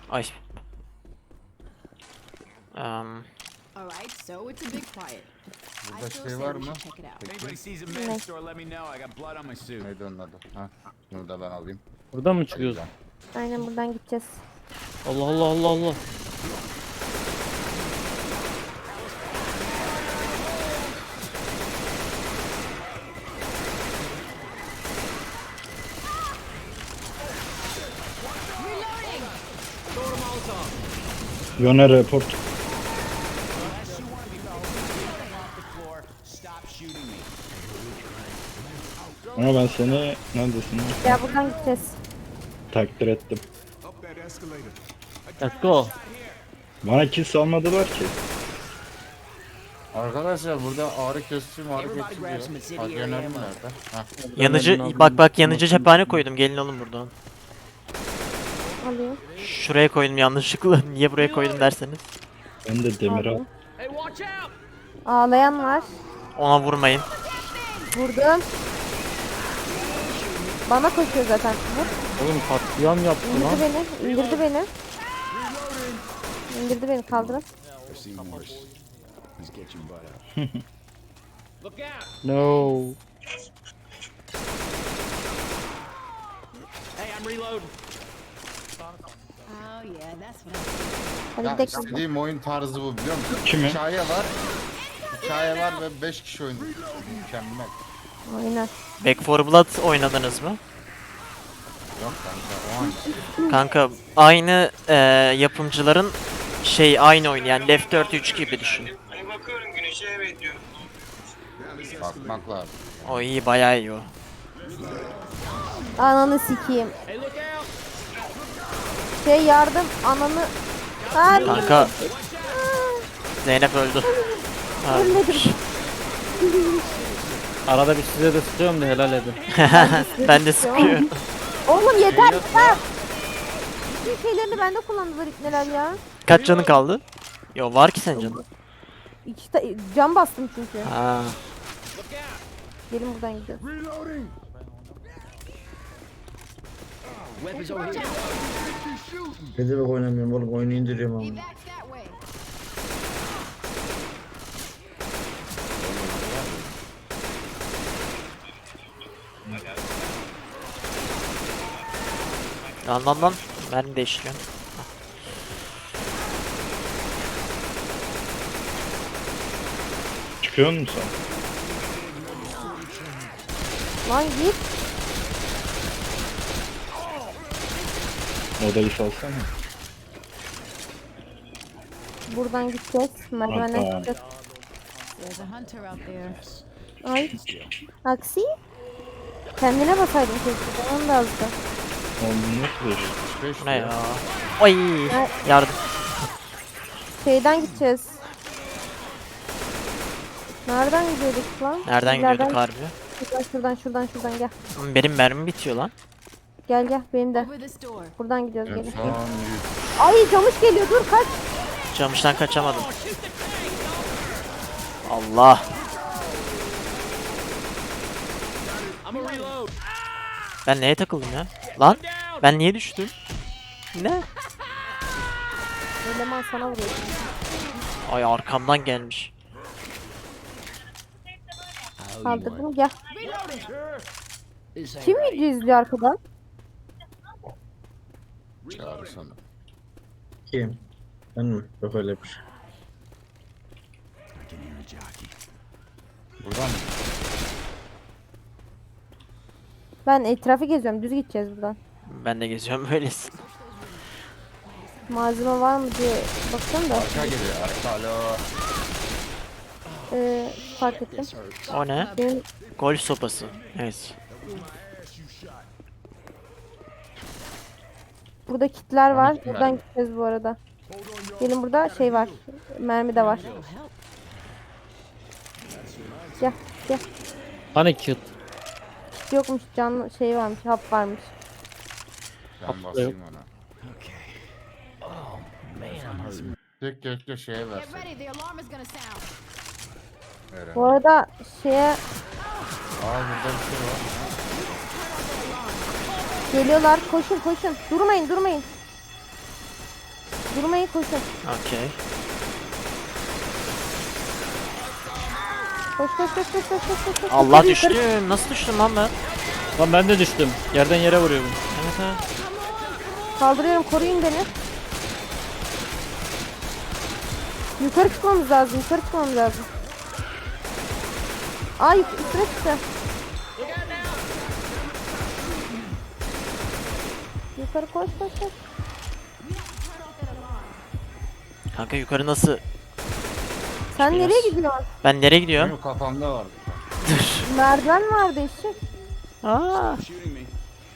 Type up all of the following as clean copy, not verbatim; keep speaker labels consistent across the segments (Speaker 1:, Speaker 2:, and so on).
Speaker 1: Ay. Um,
Speaker 2: Alright, so it's a big quiet. I
Speaker 3: Burada
Speaker 2: still
Speaker 3: şey
Speaker 2: say
Speaker 3: var
Speaker 2: we
Speaker 3: mı?
Speaker 2: should check it out.
Speaker 3: Peki.
Speaker 4: Anybody sees a men's store, let me know. I got blood on my suit.
Speaker 3: Neydi onun adı? Ha. Bunu da ben alayım.
Speaker 5: Buradan mı çıkıyoruz?
Speaker 3: Güzel.
Speaker 6: Aynen buradan gideceğiz.
Speaker 5: Allah Allah Allah Allah.
Speaker 7: Yone report.
Speaker 4: Unless you want to be off the floor, stop shooting me.
Speaker 7: Ama ben seni neredesin?
Speaker 6: Ya buradan gideceğiz.
Speaker 7: Takdir ettim.
Speaker 5: Let's go.
Speaker 7: Bana kill salmadılar ki.
Speaker 3: Arkadaşlar burada ağrı kesici diyor. Adrenalin nerede? Ha.
Speaker 1: yanıcı bak yanıcı cephane koydum. Gelin alın buradan.
Speaker 6: Alayım.
Speaker 1: Şuraya koydum yanlışlıkla. Niye buraya koydum derseniz.
Speaker 7: Ben de demir al.
Speaker 6: Ağlayan var.
Speaker 1: Ona vurmayın.
Speaker 6: Vurdum. Bana koşuyor zaten. Vur.
Speaker 5: Oğlum katliam yaptı lan.
Speaker 6: İndirdi beni. İndirdi beni. İndirdi beni. Kaldırın.
Speaker 4: I've seen worse. Please get your butt out. Look out!
Speaker 5: No.
Speaker 4: Hey, I'm reloading.
Speaker 2: Oh yeah, that's what
Speaker 6: Hadi
Speaker 3: Ya
Speaker 6: gidelim.
Speaker 3: istediğim oyun tarzı bu biliyor musun?
Speaker 7: Kimi?
Speaker 3: Hikaye var. Hikaye var ve 5 kişi oynuyor. Mükemmel.
Speaker 6: Aynen.
Speaker 1: Back 4 Blood oynadınız mı?
Speaker 3: Yok kanka o an.
Speaker 1: Kanka aynı yapımcıların aynı oyun yani Left 4 3 gibi düşün.
Speaker 8: Hani bakıyorum güneşe evet diyor.
Speaker 3: Bakmak lazım.
Speaker 1: O iyi bayağı iyi o.
Speaker 6: Ananı sikeyim.
Speaker 4: Hey, look out!
Speaker 6: Yardım. Ananı. Abi.
Speaker 1: Kanka Zeynep öldü. Ha,
Speaker 6: Ölmedim.
Speaker 5: Arada bir size de sıkıyorum da helal edin.
Speaker 1: ben de sıkıyorum.
Speaker 6: Oğlum yeter. Ha. Bütün şeylerini bende kullandılar neler ya.
Speaker 1: Kaç canın kaldı? Yo var ki senin canın.
Speaker 6: Cam bastım çünkü.
Speaker 1: Ha.
Speaker 6: Gelin buradan gidiyoruz.
Speaker 4: Weapons over here.
Speaker 7: Ne demek oynamıyorum oğlum, oyunu indiriyorum ama.
Speaker 2: Back that way.
Speaker 1: Lan. Mermi değiştiriyor.
Speaker 7: Çıkıyor musun sen?
Speaker 6: Lan git.
Speaker 7: Odayı salsana.
Speaker 6: Buradan gideceğiz. Merdivenden
Speaker 7: Hatta.
Speaker 6: gideceğiz.
Speaker 2: There's a hunter out there.
Speaker 6: Ay. Aksi. Kendine basaydın keşke. Onu da azdı.
Speaker 7: Onu nasıl veriyor?
Speaker 3: 5
Speaker 1: Bu ne ya? Ay yardım.
Speaker 6: Şeyden gideceğiz. Nereden gidiyorduk lan?
Speaker 1: Nereden
Speaker 6: İleriden-
Speaker 1: gidiyorduk harbi?
Speaker 6: Şuradan gel.
Speaker 1: Benim mermim bitiyor lan.
Speaker 6: Gel benim de.
Speaker 2: Over this door.
Speaker 6: Buradan gidiyoruz gelin.
Speaker 3: Son 100.
Speaker 6: Ay camış geliyor dur kaç.
Speaker 1: Camıştan kaçamadım. Allah.
Speaker 4: I'm a reload.
Speaker 1: Ben neye takıldım ya? Lan ben niye düştüm? Ne?
Speaker 6: Eleman sana vuruyor.
Speaker 1: Ay arkamdan gelmiş.
Speaker 6: Kaldırdım gel. Kim video izliyor arkadan?
Speaker 3: Çağrı sana.
Speaker 7: Kim? Ben mi? Yok öyle bir şey.
Speaker 4: I can hear a jockey.
Speaker 3: Buradan mı?
Speaker 6: Ben etrafı geziyorum düz gideceğiz buradan.
Speaker 1: Ben de geziyorum böylesin.
Speaker 6: Malzeme var mı diye bakıyorum da
Speaker 3: Arka geliyor. Arka alo.
Speaker 6: fark ettim.
Speaker 1: O ne?
Speaker 6: Benim
Speaker 1: Golf sopası. Evet.
Speaker 6: burada kitler var.
Speaker 3: Kitler
Speaker 6: Buradan
Speaker 3: mi?
Speaker 6: gideceğiz bu arada. Gelin burada şey var. Mermi de var. Gel.
Speaker 5: Hani kit?
Speaker 6: Kit yokmuş canlı şey varmış. Hap varmış.
Speaker 3: Ben basayım ona. Tek keşke şeye
Speaker 2: Get
Speaker 3: versin.
Speaker 2: ready, the alarm is gonna sound.
Speaker 3: Eren.
Speaker 6: Bu arada şeye
Speaker 3: Aa burada bir şey var.
Speaker 6: geliyorlar. Koşun. Durmayın. Durmayın, koşun.
Speaker 1: Okey.
Speaker 6: Koş koş koş koş koş koş koş.
Speaker 1: Allah
Speaker 6: Yukarı, yukarı.
Speaker 1: düştüm. Nasıl düştüm lan ben?
Speaker 5: Lan ben de düştüm. Yerden yere vuruyorum.
Speaker 1: Evet evet.
Speaker 6: Kaldırıyorum, koruyun beni. Yukarı çıkmamız lazım, yukarı çıkmamız lazım. Ay, üstüne çıktı. Yukarı koş koş koş.
Speaker 1: Kanka yukarı nasıl?
Speaker 6: Sen
Speaker 1: Biraz.
Speaker 6: nereye gidiyorsun?
Speaker 1: Ben nereye gidiyorum?
Speaker 3: Benim kafamda vardı.
Speaker 6: Merdiven vardı eşek.
Speaker 1: Aa.
Speaker 4: Shooting me.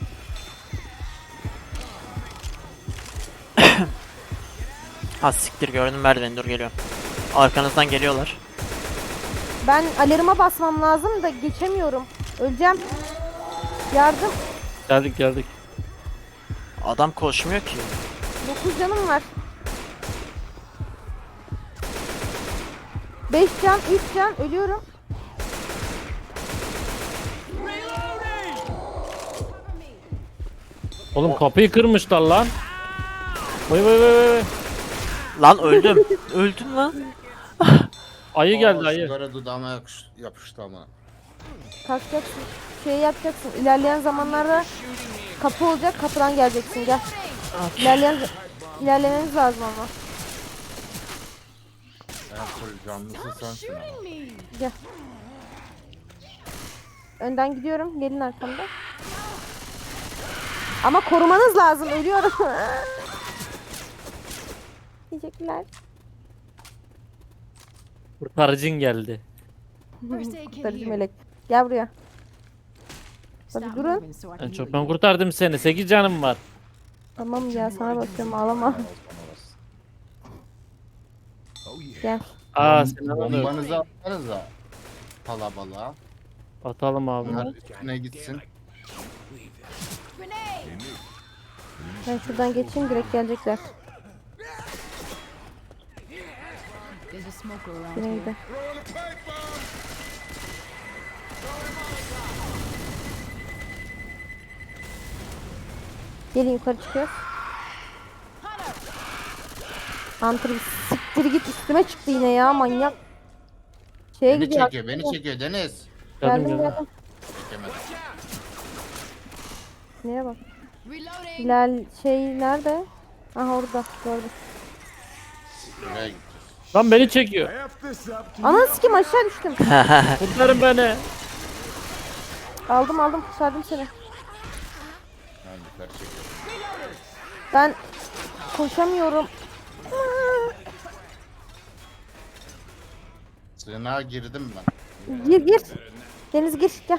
Speaker 1: Ha siktir gördüm merdiveni, dur geliyorum. Arkanızdan geliyorlar.
Speaker 6: Ben alarma basmam lazım da geçemiyorum. Öleceğim. Yardım.
Speaker 5: Geldik geldik.
Speaker 1: Adam koşmuyor ki.
Speaker 6: 9 canım var. 5 can, 3 can, ölüyorum.
Speaker 5: Oğlum kapıyı kırmışlar lan. Vay vay vay vay.
Speaker 1: Lan öldüm. Öldüm lan.
Speaker 5: Ayı geldi ayı.
Speaker 3: Sigara dudağıma yapıştı ama.
Speaker 6: Kalkacaksın. Şey yapacaksın. İlerleyen zamanlarda kapı olacak. Kapıdan geleceksin. Gel. İlerlemeniz lazım ama.
Speaker 3: En full canlısı sensin ama.
Speaker 6: Gel. Önden gidiyorum. Gelin arkamda. Ama korumanız lazım. Ölüyorum. Teşekkürler.
Speaker 5: Kurtarıcın geldi.
Speaker 2: First aid kit
Speaker 6: Kurtarıcı
Speaker 2: here.
Speaker 6: melek. Gel buraya.
Speaker 2: Stop
Speaker 6: Hadi durun.
Speaker 2: moving so I can
Speaker 5: En
Speaker 2: heal
Speaker 5: çok ben
Speaker 2: you.
Speaker 5: kurtardım seni. 8 canım var.
Speaker 6: Tamam ya, sana bakıyorum, ağlama. Gel.
Speaker 5: Aa sen onu
Speaker 3: Bombanızı atsanıza. Kalabalığa.
Speaker 5: atalım abi.
Speaker 3: Bunlar üstüne gitsin.
Speaker 2: Grenade!
Speaker 6: Ben şuradan geçeyim, direkt gelecekler.
Speaker 2: There's a smoker around
Speaker 6: Yine
Speaker 2: here.
Speaker 6: gide. Gelin, yukarı çıkıyoruz. Hunter bir siktir git, üstüme çıktı yine ya, manyak. Şeye
Speaker 3: Beni
Speaker 6: gidiyor.
Speaker 3: çekiyor, beni çekiyor Deniz.
Speaker 5: Geldim
Speaker 6: Geldim
Speaker 5: geldim.
Speaker 6: geldim.
Speaker 3: Çekemedi.
Speaker 6: Neye bak.
Speaker 2: Reloading!
Speaker 6: Hilal şey nerede? Aha orada, gördüm.
Speaker 3: Buraya gideceğiz.
Speaker 5: Lan beni çekiyor.
Speaker 6: Ana sikim, aşağı düştüm.
Speaker 5: Kurtarın beni.
Speaker 6: Aldım kurtardım seni.
Speaker 3: Ben yukarı çekiyorum.
Speaker 6: Ben koşamıyorum.
Speaker 3: Sığınağa girdim ben.
Speaker 6: Gir. Deniz gir, gel.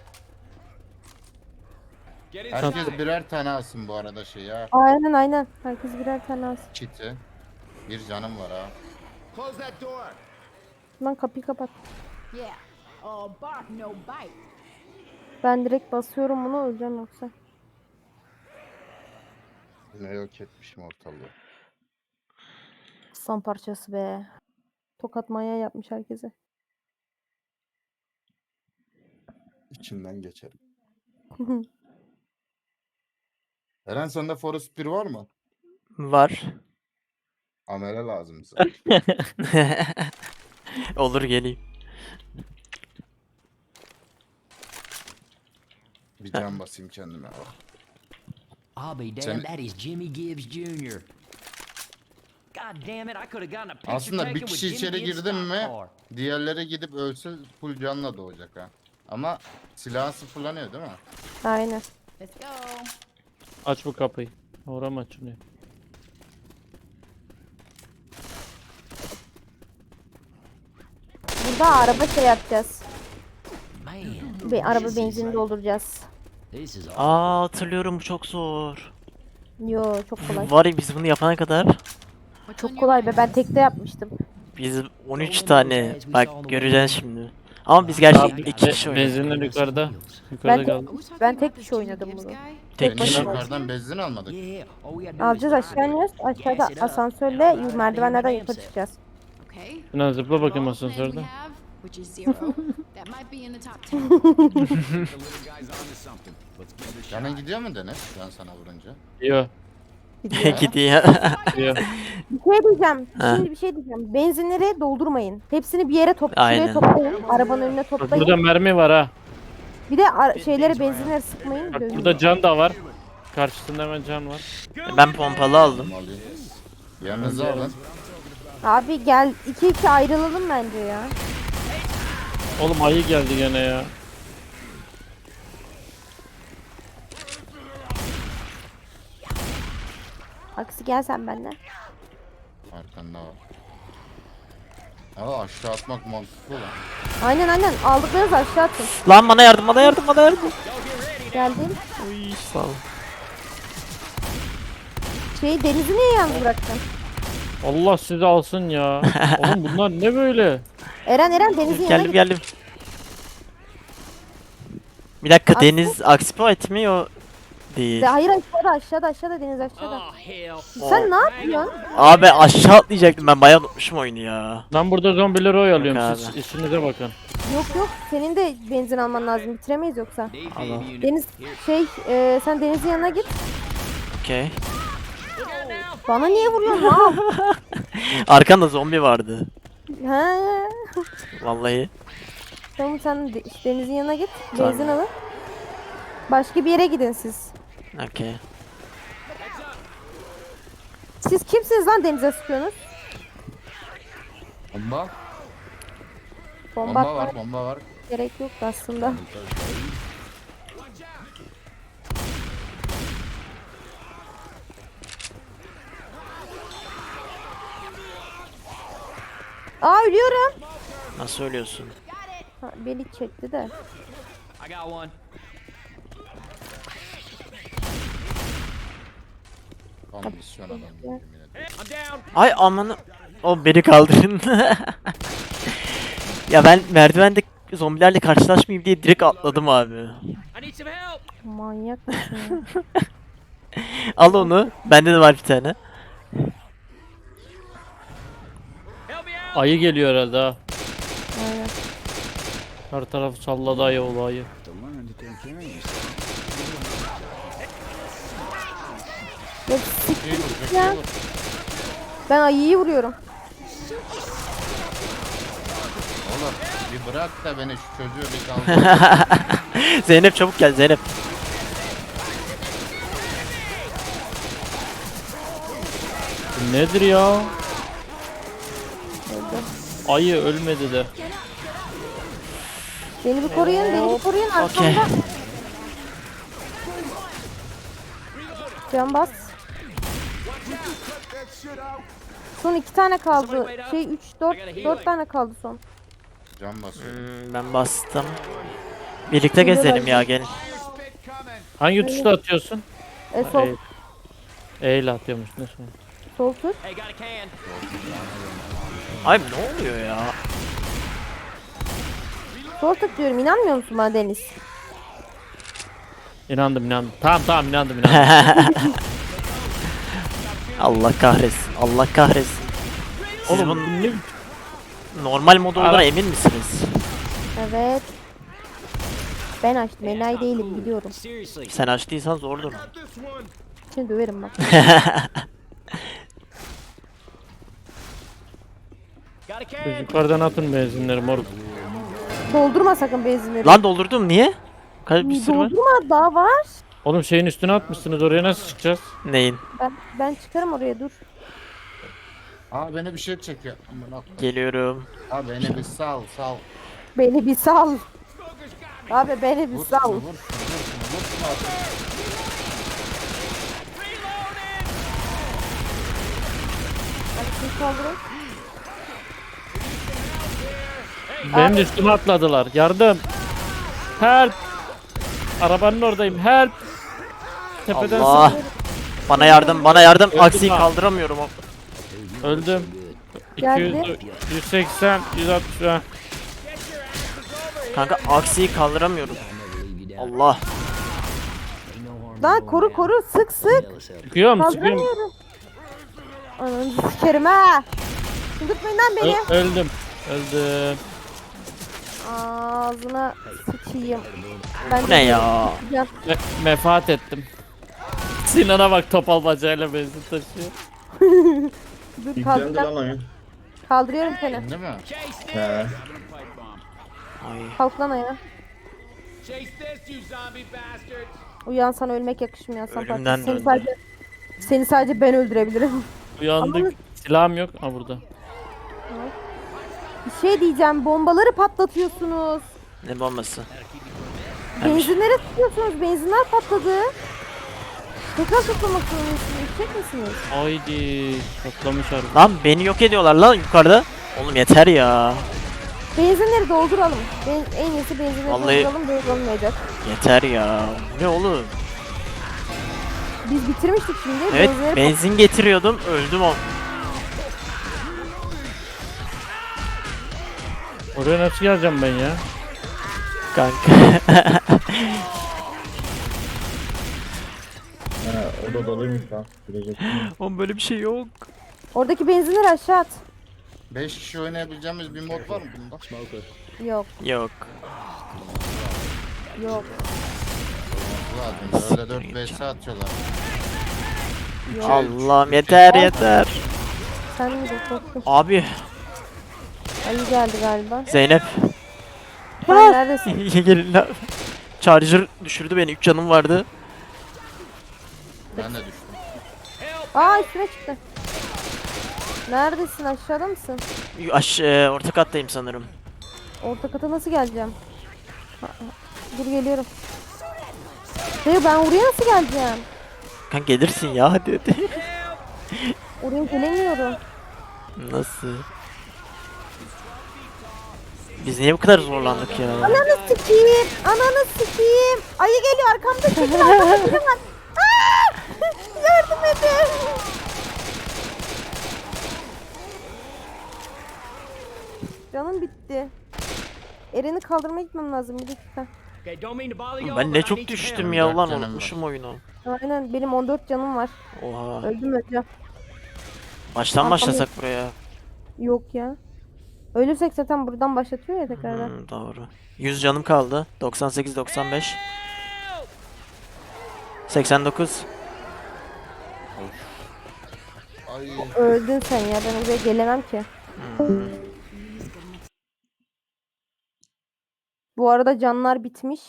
Speaker 4: Get in.
Speaker 3: Herkes birer tane alsın bu arada şey ya.
Speaker 6: Aynen. Herkes birer tane alsın.
Speaker 3: Kiti. Bir canım var ha.
Speaker 4: Close that door.
Speaker 6: Lan kapıyı kapat.
Speaker 2: Yeah. Bark, no bite.
Speaker 6: Ben direkt basıyorum bunu, öleceğim yoksa.
Speaker 3: Ne yok etmişim ortalığı.
Speaker 6: Son parçası be. Tokat manyağı yapmış herkese.
Speaker 3: İçinden geçerim. Eren sende Forest 1 var mı?
Speaker 1: Var.
Speaker 3: Amele lazım bize.
Speaker 1: Olur geleyim.
Speaker 3: Bir can basayım kendime bak.
Speaker 9: I'll be damned,
Speaker 3: Sen-
Speaker 9: that is Jimmy Gibbs Jr. God damn it, I could have gotten a picture
Speaker 3: Aslında
Speaker 9: taken
Speaker 3: bir
Speaker 9: with
Speaker 3: kişi
Speaker 9: Jimmy
Speaker 3: içeri
Speaker 9: Gibbs
Speaker 3: girdi mi
Speaker 9: stock car.
Speaker 3: diğerleri gidip ölse full canla doğacak ha. Ama silahı sıfırlanıyor değil mi?
Speaker 6: Aynen.
Speaker 2: Let's go.
Speaker 5: Aç bu kapıyı. Oram açılıyor.
Speaker 6: Burada araba şey yapacağız.
Speaker 9: Man,
Speaker 6: Araba
Speaker 9: this is
Speaker 6: benzini
Speaker 9: like-
Speaker 6: dolduracağız.
Speaker 9: This is
Speaker 1: Aa hatırlıyorum, bu çok zor.
Speaker 6: Yo, çok kolay.
Speaker 1: Var ya biz bunu yapana kadar
Speaker 2: What's on
Speaker 6: Çok
Speaker 2: your
Speaker 6: kolay be,
Speaker 2: mind?
Speaker 6: ben tekte yapmıştım.
Speaker 1: biz 13 tane bak göreceksin şimdi. Ama biz gerçekten
Speaker 5: Abi,
Speaker 1: 2 kişi oynadık.
Speaker 5: benzinler yukarıda.
Speaker 6: Ben
Speaker 5: Yukarıda
Speaker 6: tek-
Speaker 5: kaldı.
Speaker 2: Are we talking
Speaker 6: Ben
Speaker 2: about
Speaker 6: tek
Speaker 2: the
Speaker 6: kişi
Speaker 2: Jimmy
Speaker 6: oynadım
Speaker 2: Gibbs
Speaker 6: bunu.
Speaker 2: guy?
Speaker 1: Tek
Speaker 3: Beni
Speaker 1: başına.
Speaker 3: yukarıdan benzin almadık.
Speaker 9: Yeah, all we had to do
Speaker 6: Alacağız,
Speaker 9: was
Speaker 6: aşağı iniyoruz. Aşağıda asansörle merdivenlerden yukarı çıkacağız.
Speaker 2: Okay.
Speaker 5: Sinan zıpla bakayım
Speaker 2: All the plans we
Speaker 5: asansörde.
Speaker 2: have, which is zero. That might be in the top 10.
Speaker 4: The little guy's onto something. Let's give it a shot.
Speaker 3: Canın gidiyor mu Deniz? Ben sana vurunca.
Speaker 5: Yo.
Speaker 1: Gidiyor.
Speaker 5: Diyor.
Speaker 6: Bir şey diyeceğim.
Speaker 1: Ha.
Speaker 6: Şimdi bir şey diyeceğim. Benzinleri doldurmayın. Hepsini bir yere
Speaker 1: Aynen.
Speaker 6: şuraya toplayın. Arabanın önüne
Speaker 5: Bak
Speaker 6: toplayın.
Speaker 5: burada mermi var ha.
Speaker 6: Bir de şeyleri benzinleri sıkmayın.
Speaker 5: Bak
Speaker 6: dövün.
Speaker 5: burada can da var. Karşısında hemen can var.
Speaker 1: Ben pompalı aldım.
Speaker 3: Alayım. Yanınıza alın.
Speaker 6: Abi gel 2-2 ayrılalım bence ya.
Speaker 5: Oğlum ayı geldi gene ya.
Speaker 6: Aksi gel sen benden.
Speaker 3: Arkanda var. Aa, aşağı atmak mantıklı lan.
Speaker 6: Aynen aldıklarınızı aşağı atın.
Speaker 1: Lan bana yardım, bana yardım, bana yardım.
Speaker 6: Geldim.
Speaker 1: Uy, sağ ol.
Speaker 6: Denizi niye yalnız bıraktın?
Speaker 5: Allah sizi alsın ya. Oğlum bunlar ne böyle?
Speaker 6: Eren denizin yanına
Speaker 1: Geldim
Speaker 6: git.
Speaker 1: geldim. Bir dakika,
Speaker 6: Aslında-
Speaker 1: Deniz Aksipoet mi o değil.
Speaker 6: Hayır aşağıda deniz aşağıda. Sen ne yapıyorsun?
Speaker 1: Abi aşağı atlayacaktım, ben bayağı unutmuşum oyunu ya.
Speaker 5: Ben burada zombileri oyalıyorum.
Speaker 1: Yok
Speaker 5: Siz
Speaker 1: abi.
Speaker 5: işinize bakın.
Speaker 6: Yok senin de benzin alman lazım. Bitiremeyiz yoksa.
Speaker 1: Allah.
Speaker 6: Deniz sen denizin yanına git.
Speaker 1: Okey.
Speaker 6: Bana niye vuruyorsun lan?
Speaker 1: Arkanda zombi vardı.
Speaker 6: Ha.
Speaker 1: Vallahi.
Speaker 6: Tamam sen denizin yanına git.
Speaker 1: Tamam.
Speaker 6: Benzin alın. Başka bir yere gidin siz.
Speaker 1: Okey.
Speaker 6: Siz kimsiniz lan denize sıkıyorsunuz?
Speaker 3: Bomba.
Speaker 6: Bomba
Speaker 3: Bomba
Speaker 6: atmaya
Speaker 3: var, bomba var.
Speaker 6: gerek yok aslında. Aa ölüyorum.
Speaker 1: Nasıl ölüyorsun?
Speaker 6: Ha, beni çekti de.
Speaker 9: I got one.
Speaker 3: Kondisyon adam. Yemin ederim.
Speaker 9: I'm down.
Speaker 1: Ay amanı. O beni kaldırın. Ya ben merdivende zombilerle karşılaşmayayım diye direkt atladım abi.
Speaker 9: I need some help.
Speaker 6: Manyak mısın ya?
Speaker 1: Al onu. Bende de var bir tane.
Speaker 9: Help me out.
Speaker 5: Ayı geliyor herhalde ha.
Speaker 6: Aynen.
Speaker 5: Her taraf salladı ayı oğlu ayı.
Speaker 6: Ya siktir ya. Ben ayıyı vuruyorum.
Speaker 3: Oğlum bir bırak da beni, şu çocuğu bir kaldır.
Speaker 1: Zeynep çabuk gel Zeynep.
Speaker 5: Bu nedir ya? Ayı ölmedi de.
Speaker 6: Beni bir koruyun, arkamda.
Speaker 1: Okey.
Speaker 6: Can bas. Son 2 tane kaldı. 4 tane kaldı son.
Speaker 3: Can basıyor.
Speaker 1: Ben bastım. Birlikte gezelim ya, gelin.
Speaker 5: Hangi tuşla atıyorsun?
Speaker 6: Sol,
Speaker 5: E ile atıyormuş. Ne sonra?
Speaker 6: sol tut.
Speaker 9: Hey, got a can.
Speaker 1: Ay ne oluyor ya?
Speaker 6: Sol tut diyorum. İnanmıyor musun bana Deniz?
Speaker 5: İnandım. Tamam inandım.
Speaker 1: Allah kahretsin. Allah kahretsin. Siz
Speaker 5: Oğlum
Speaker 1: bunun
Speaker 5: ne?
Speaker 1: normal modu olduğuna emin misiniz?
Speaker 6: Evet. Ben açtım. Enayi değilim biliyorum.
Speaker 9: Seriously.
Speaker 1: Sen açtıysan zordur.
Speaker 6: Şimdi döverim bak.
Speaker 9: Got a
Speaker 5: Siz
Speaker 9: can.
Speaker 5: yukarıdan atın benzinleri moruk.
Speaker 6: Doldurma sakın benzinleri.
Speaker 1: Lan doldurdum, niye? Bir sürü var.
Speaker 6: Doldurma daha var.
Speaker 5: Oğlum şeyin üstüne atmışsınız, oraya nasıl çıkacağız?
Speaker 1: Neyin?
Speaker 6: Ben çıkarım oraya dur.
Speaker 3: Aa, beni bir şey çekiyor. Amına koyayım.
Speaker 1: Geliyorum.
Speaker 3: Aa, beni bir sal.
Speaker 6: Beni bir sal. Abi beni bir
Speaker 3: Vur
Speaker 6: sal.
Speaker 3: şunu, vur şunu artık.
Speaker 6: Bak, kaldırın.
Speaker 5: Benim de üstüme atladılar. Yardım. Help. Arabanın oradayım. Help. Tepeden
Speaker 1: Allah. Bana yardım, bana yardım.
Speaker 5: Öldüm
Speaker 1: Aksiyi
Speaker 5: ha.
Speaker 1: kaldıramıyorum.
Speaker 5: öldüm.
Speaker 6: Geldi.
Speaker 5: 200, 180, 160. Ha.
Speaker 1: Kanka aksiyi kaldıramıyorum. Allah.
Speaker 6: Lan koru sık.
Speaker 5: Çıkıyorum.
Speaker 6: Kaldıramıyorum. Ananı sikerim ha. Çıldırtmayın lan beni.
Speaker 5: Öldüm.
Speaker 6: Ağzına sıçayım. Ben
Speaker 1: Bu ne ya?
Speaker 6: Ya,
Speaker 5: Mefaat ettim. Sinan'a bak topal bacağıyla benzin taşıyor.
Speaker 6: Dur
Speaker 7: Yüklendi
Speaker 6: kaldıracağım.
Speaker 7: lan oyun.
Speaker 6: Kaldırıyorum seni.
Speaker 3: Değil mi?
Speaker 7: He.
Speaker 1: Ay.
Speaker 6: Kalk lan ayağa.
Speaker 4: Chase this, you zombie bastards!
Speaker 6: Uyansan ölmek yakışmıyor Hasan
Speaker 1: Ölümden
Speaker 6: Fatih. Seni
Speaker 1: döndü.
Speaker 6: sadece ben öldürebilirim.
Speaker 5: Uyandık. Silahım yok. Ha burada.
Speaker 6: Bir şey diyeceğim. Bombaları patlatıyorsunuz.
Speaker 1: Ne bombası?
Speaker 6: Benzinlere tutuyorsunuz. Benzinler patladı. Tekrar toplamak zorundasınız. Çek misiniz?
Speaker 5: Haydi. Patlamış harbi.
Speaker 1: Lan beni yok ediyorlar lan yukarıda. Oğlum yeter ya.
Speaker 6: Benzinleri dolduralım. En iyisi benzinleri
Speaker 1: Vallahi-
Speaker 6: dolduralım. Böyle olmayacak.
Speaker 1: Yeter ya. Ne oğlum?
Speaker 6: Biz bitirmiştik şimdi.
Speaker 1: Evet
Speaker 6: Benzinleri
Speaker 1: benzin getiriyordum öldüm o.
Speaker 5: Oraya nasıl geleceğim ben ya?
Speaker 1: Kanka.
Speaker 7: He, o da doluymuş lan. Bilecek.
Speaker 1: Oğlum böyle bir şey yok.
Speaker 6: Oradaki benzinleri aşağı at.
Speaker 3: 5 kişi oynayabileceğimiz bir mod var mı bunda?
Speaker 6: Yok.
Speaker 1: Yok.
Speaker 6: Yok.
Speaker 3: Lazım. Öyle 4 vs atıyorlar.
Speaker 1: Allah'ım yeter yeter.
Speaker 6: Sen mi de korktun?
Speaker 1: Abi
Speaker 6: Ali geldi galiba.
Speaker 1: Zeynep.
Speaker 6: Sen neredesin?
Speaker 1: Gelin lan. Charger düşürdü beni 3 canım vardı.
Speaker 3: Ben de düştüm.
Speaker 6: Aa üstüne çıktı. Neredesin? Aşağıda mısın?
Speaker 1: Orta kattayım sanırım.
Speaker 6: Orta kata nasıl geleceğim? Dur geliyorum. Hayır ben oraya nasıl geleceğim?
Speaker 1: Kanka gelirsin ya hadi hadi.
Speaker 6: Oraya gelemiyorum.
Speaker 1: Nasıl? Biz niye bu kadar zorlandık ya?
Speaker 6: Ananı sikeyim. Ananı sikeyim. Ayı geliyor arkamda çekil arkamda biri var. Aa! Yardım edin. Canım bitti. Eren'i kaldırmaya gitmem lazım bir dakika.
Speaker 9: Okay, don't mean to bother you.
Speaker 1: Ben ne çok düştüm ya
Speaker 3: 14
Speaker 1: ulan
Speaker 3: canım
Speaker 1: unutmuşum oyunu.
Speaker 6: Aynen benim 14 canım var.
Speaker 1: Oha.
Speaker 6: Öleceğim.
Speaker 1: Baştan başlasak buraya.
Speaker 6: Yok ya. Ölürsek zaten buradan başlatıyor ya tekrardan.
Speaker 1: Doğru. 100 canım kaldı. 98 95. 89.
Speaker 3: Ay.
Speaker 6: Öldün sen ya ben oraya gelemem ki. Bu arada canlar bitmiş.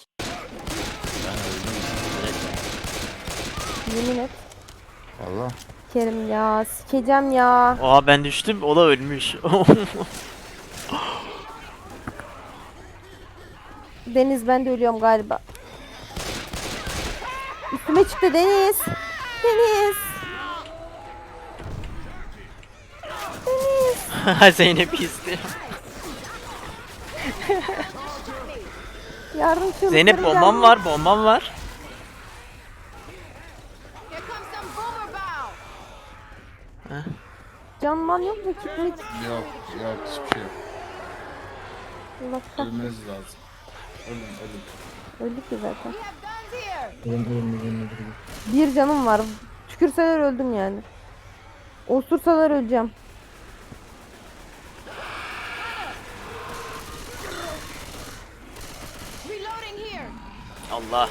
Speaker 6: Yemin et.
Speaker 3: Valla.
Speaker 6: Kerim ya sikeceğim ya.
Speaker 1: Oha ben düştüm o da ölmüş.
Speaker 6: Deniz ben de ölüyorum galiba. Üstüme çıktı Deniz. Deniz. Deniz.
Speaker 1: Zeynep istiyor.
Speaker 6: Yardım çığlıkları
Speaker 1: Zeynep bombam
Speaker 6: geldi.
Speaker 1: var bombam var.
Speaker 2: Here comes some boomer bow.
Speaker 6: Canman yok mu? Kitmit.
Speaker 3: Yok yok hiçbir şey yok.
Speaker 6: Allah kah-
Speaker 3: Ölmeniz lazım. Ölün.
Speaker 6: Öldük ki zaten.
Speaker 2: We have guns here.
Speaker 6: Bir canım var. Tükürseler öldüm yani. Osursalar öleceğim.
Speaker 2: Reloading here.
Speaker 1: Allah.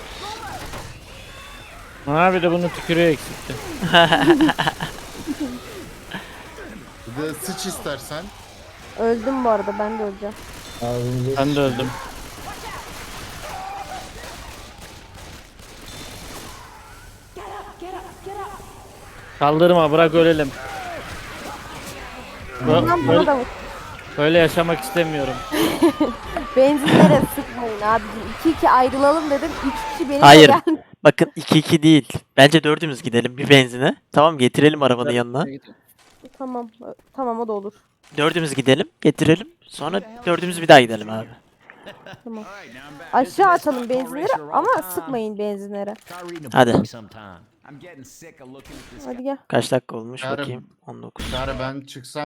Speaker 5: Ha bir de bunun tükürüğü eksikti.
Speaker 3: Bir de sıç istersen.
Speaker 6: Öldüm bu arada ben de öleceğim.
Speaker 7: Ağzımıza
Speaker 5: Ben de öldüm. Kaldırma bırak ölelim.
Speaker 6: Bundan bana da vur.
Speaker 5: Böyle yaşamak istemiyorum.
Speaker 6: Benzinlere sıkmayın abicim. 2-2 ayrılalım dedim. 3 kişi benimle
Speaker 1: Hayır.
Speaker 6: geldi.
Speaker 1: Bakın 2-2 değil. Bence dördümüz gidelim bir benzine. Tamam getirelim arabanın yanına.
Speaker 6: Tamam. Tamam o da olur.
Speaker 1: Dördümüz gidelim getirelim. Sonra dördümüz bir daha gidelim abi.
Speaker 6: Tamam.
Speaker 4: All right, now I'm back.
Speaker 6: Aşağı atalım benzinleri ama sıkmayın benzinlere.
Speaker 9: Try reading a
Speaker 1: Hadi.
Speaker 9: book sometime.
Speaker 4: I'm getting sick of looking at this
Speaker 6: Hadi gel.
Speaker 1: Kaç dakika olmuş
Speaker 3: Yarın-
Speaker 1: bakayım. 19.
Speaker 3: Çağrı ben çıksam